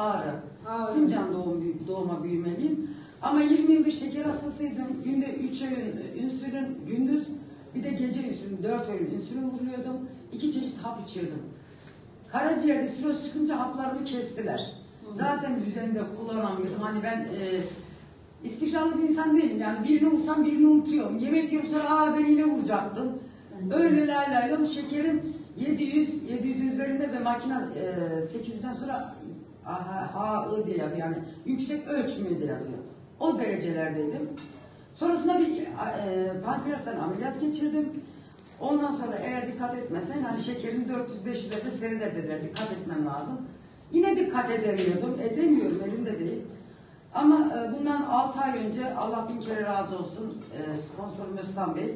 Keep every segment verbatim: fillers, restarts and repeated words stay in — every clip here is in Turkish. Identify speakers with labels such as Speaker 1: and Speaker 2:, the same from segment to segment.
Speaker 1: Ağrı.
Speaker 2: Ağrı.
Speaker 1: Sincan doğum, doğuma büyümeliyim. Ama yirmi yıldır şeker hastasıydım. Günde üç öğün insülin, gündüz bir de gece insülin, dört öğün insülin vuruyordum. İki çeşit hap içiyordum. Karaciğerde siroz çıkınca haplarımı kestiler. Zaten düzeninde kullanamıyordum. Hani ben e, istikrarlı bir insan değilim. Yani birini vursam birini unutuyorum. Yemek yiyorum sonra aa ben yine vuracaktım. Öyle laylayla şekerim yedi yüz, yedi yüzün üzerinde ve makine e, sekiz yüzden sonra H I diye yazıyor. Yani yüksek ölçümü diye yazıyor. O derecelerdeydim. Sonrasında bir e, pankreastan ameliyat geçirdim. Ondan sonra eğer dikkat etmesen hani şekerin dört yüz beş yüzlerde seyreder dediler. Dikkat etmem lazım. Yine dikkat edemiyordum. Edemiyorum, elimde değil. Ama e, bundan altı ay önce Allah bin kere razı olsun e, sponsorum Özkan Bey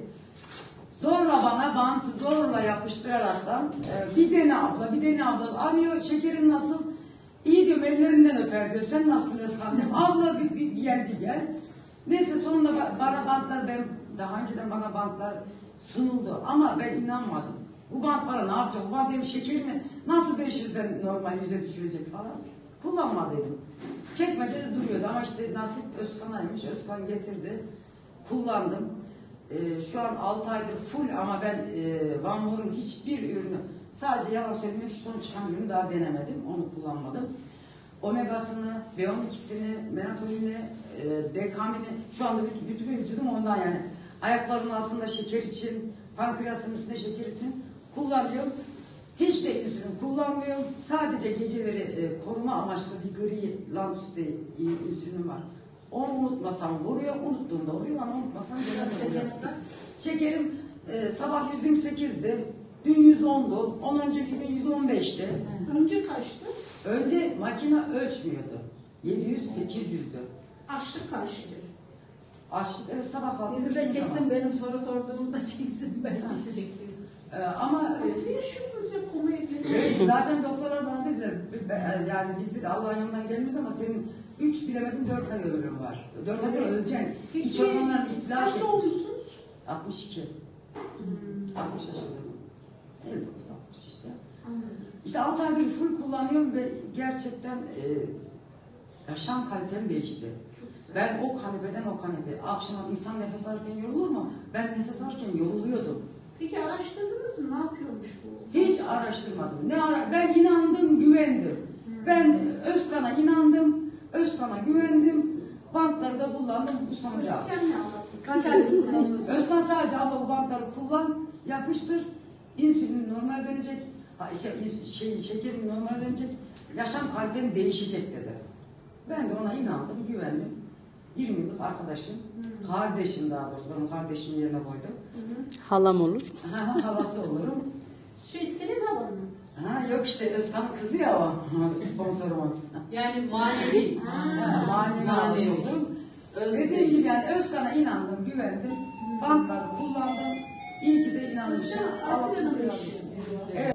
Speaker 1: zorla bana bantı zorla yapıştıraraktan e, bir dene abla, bir dene abla arıyor. Şekerin nasıl? İyi diyorum, ellerinden öper diyor. Sen nasılsın Özkan diyorum. Abla bir, bir gel bir gel. Neyse sonunda bana bantlar, ben daha önceden bana bantlar sunuldu ama ben inanmadım. Bu bant bana ne yapacak? Bu bant benim şekerimi nasıl beş yüzden normal yüze düşürecek falan. Kullanmadıydım. Çekmecede duruyordu ama işte nasip Özkan'aymış. Özkan getirdi. Kullandım. Ee, şu an altı aydır full ama ben e, Van Moor'un hiçbir ürünü, sadece yalan söylemeyeyim, şu son çıkan ürünü daha denemedim. Onu kullanmadım. Omegasını, B on ikisini, melatoninini, e, dekamini, şu anda bütün, bütün vücudum ondan yani. Ayaklarımın altında şeker için, pankreasın üstünde şeker için kullanıyorum. Hiç de insülin kullanmıyorum. Sadece geceleri e, koruma amaçlı bir gri Lantus diye insülin var. Onu unutmasam vuruyor, unuttuğumda vuruyor ama unutmasam vuruyor. Şekerim e, sabah yüz yirmi sekizdi, dün yüz ondu, on önceki gün yüz on beşti.
Speaker 3: Önce kaçtı?
Speaker 1: Önce makine ölçmüyordu. yedi yüz sekiz yüzdü.
Speaker 3: Açlık kaçtı?
Speaker 1: Açlık, evet sabah kalktım.
Speaker 2: Bizi de çeksin, benim soru sorduğumu da çeksin. Ben teşekkür ederim.
Speaker 1: Ee, ama
Speaker 3: Nasıl yaşıyorsunuz ya konuya
Speaker 1: evet, zaten doktorlar bana dediler, yani biz de Allah'ın yanından gelmiyoruz ama senin üç bilemedim dört ay ömrün var. dört ay sonra öleceksin. İç organlar iflas
Speaker 3: kaçta
Speaker 1: etmiş.
Speaker 3: olmuşsunuz?
Speaker 1: altmış iki. Hmm. altmış yaşındayım. elli dokuz altmış işte.
Speaker 3: Anladım.
Speaker 1: İşte altı aydır full kullanıyorum ve gerçekten e, yaşam kalitem değişti. Ben o kanepeden o kanepe. Akşam insan nefes alırken yorulur mu? Ben nefes alırken yoruluyordum.
Speaker 3: Peki araştırdınız mı? Ne yapıyormuş bu?
Speaker 1: Hiç araştırmadım. Ne ara ben inandım, güvendim. Hmm. Ben Özkan'a inandım, Özkan'a güvendim. Bantları da kullandım bu sonucu aldım.
Speaker 3: Özkan ne anlattı?
Speaker 2: Kaç aylık kullanıyorsunuz?
Speaker 1: Özkan sadece abla bu bantları kullan, yapıştır. İnsülin normal dönecek, şey, şey, şekerin normal dönecek, yaşam kaliten değişecek dedi. Ben de ona inandım, güvendim. yirmi yıllık arkadaşım, hmm. kardeşim daha doğrusu, ben kardeşimin yerine koydum.
Speaker 3: Hı-hı.
Speaker 4: Halam olur.
Speaker 1: Halası olurum.
Speaker 3: Şey, senin havan mı?
Speaker 1: Ha, yok işte Özkan'ın kızı ya o, sponsorum.
Speaker 2: Yani manevi.
Speaker 1: Ha, manevi halası oldum. Dediğim gibi yani Özkan'a inandım, güvendim. Bantları kullandım. İyi ki de inanmışım.
Speaker 3: Özkan, Asiye'nin eşi.
Speaker 1: Evet.